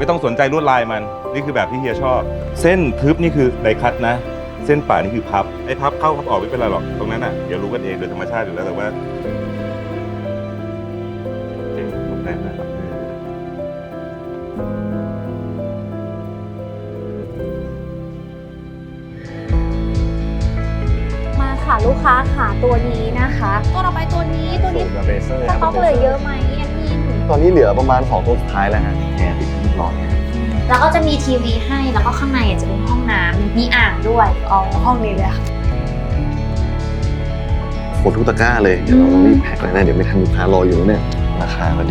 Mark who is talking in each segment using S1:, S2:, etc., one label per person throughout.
S1: ต้องสนใจลวดลายมันนี่คือแบบที่เฮียชอบ เส้นทึบนี่คือไดคัตนะ เส้นป่านี่คือพับไอ้พับเข้าพับออกไม่เป็นไรหรอกตรงนั้นอ่ะเดี๋ยวรู้กันเองโดยธรรมชาติอยู่แล้วแต่ว่าเจ๋งหมดแรงนะครับ
S2: มาค่ะลูกค้าค่ะตัวนี้นะคะตัวต่อไปตัวนี้สต็อกเหลือเยอะไหมแอดมิน
S3: ตอนนี้เหลือประมาณ2ตัวสุดท้ายแล้วฮะเนี่ยติดที่รอเนี่ย
S2: แล้วก็จะมีทีวีให้แล้วก็ข้างในจะเป็นห้องน้ำมีอ่างด้วยห้องนี้เลยค่ะ
S3: หมดทุกตะกร้าเลยเดี๋ยวเราต้องรีบแพ็คเลยนะเดี๋ยวไม่ทันลูกค้ารออยู่แล้วเนี่ยราคาก็ดี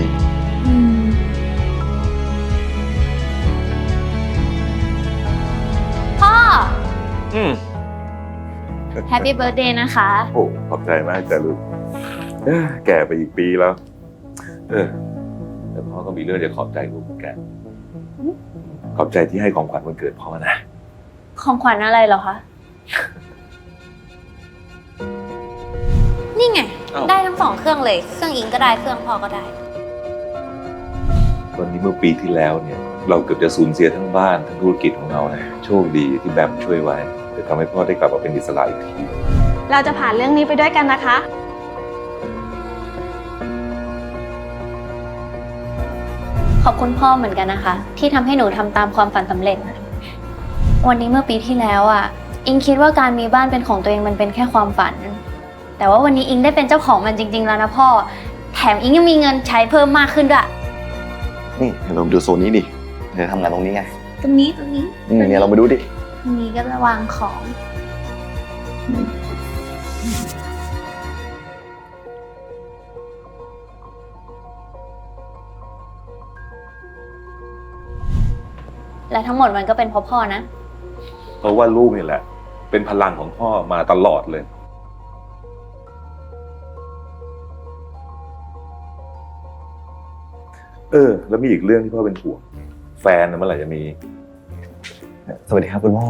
S2: พ่อ
S1: อืม
S2: แฮปปี้เบิร์ a เดย์นะคะ
S1: โอ้ขอบใจมากจ้ะลูกแก่ไปอีกปีแล้วแต่พ่อก็มีเรื่องจะขอบใจลูกเหมือนกันขอบใจที่ให้ของขวัญวันเกิดพ่อนะ
S2: ของขวัญอะไรเหรอคะ นี่ไง ได้ทั้ง2เครื่องเลย เครื่องอิงก็ได้ เครื่องพ่อก็ได้
S1: วันนี้เมื่อปีที่แล้วเนี่ยเราเกือบจะสูญเสียทั้งบ้านทั้งธุรกิจของเรานะโชคดีที่แบมช่วยไว้จะทำให้พ่อได้กลับมาเป็นอิสระอีกที
S4: เราจะผ่านเรื่องนี้ไปด้วยกันนะคะ
S2: ขอบคุณพ่อเหมือนกันนะคะ ที่ทำให้หนูทำตามความฝันสำเร็จ วันนี้เมื่อปีที่แล้วอ่ะ อิงคิดว่าการมีบ้านเป็นของตัวเองมันเป็นแค่ความฝัน แต่ว่าวันนี้อิงได้เป็นเจ้าของมันจริง ๆ แล้วนะพ่อ แถมอิงยังมีเงินใช้เพิ่มมากขึ้นด้วย
S3: นี่เดี๋ยวเราดูโซนนี้ดิเดี๋ยวทำงานตรงนี้ไง
S2: ตรงนี้
S3: เนี่ยเรามาดูดิ
S2: ตรงนี้ก็จะวางของ และทั้งหมดมันก็เป็นเพราะพ่อนะ
S1: เพราะว่าลูกนี่แหละ เป็นพลังของพ่อมาตลอดเลยแล้วมีอีกเรื่องที่พ่อเป็นห่วงแฟนเมื่อไหร่จะมี
S3: สวัสดีครับคุณพ่อ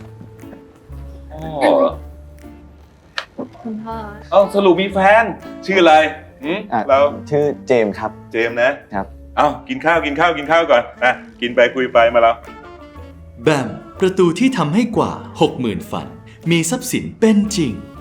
S2: คุณพ่อ
S1: สรุปมีแฟนชื่ออะไรเรา
S3: ชื่อเจมส์ครับ
S1: เจมส์นะครับ กินข้าวก่อนนะกินไปคุยไปมาแล้ว
S5: แบมประตูที่ทำให้กว่า 60,000 ฝัน มีทรัพย์สินเป็นจริง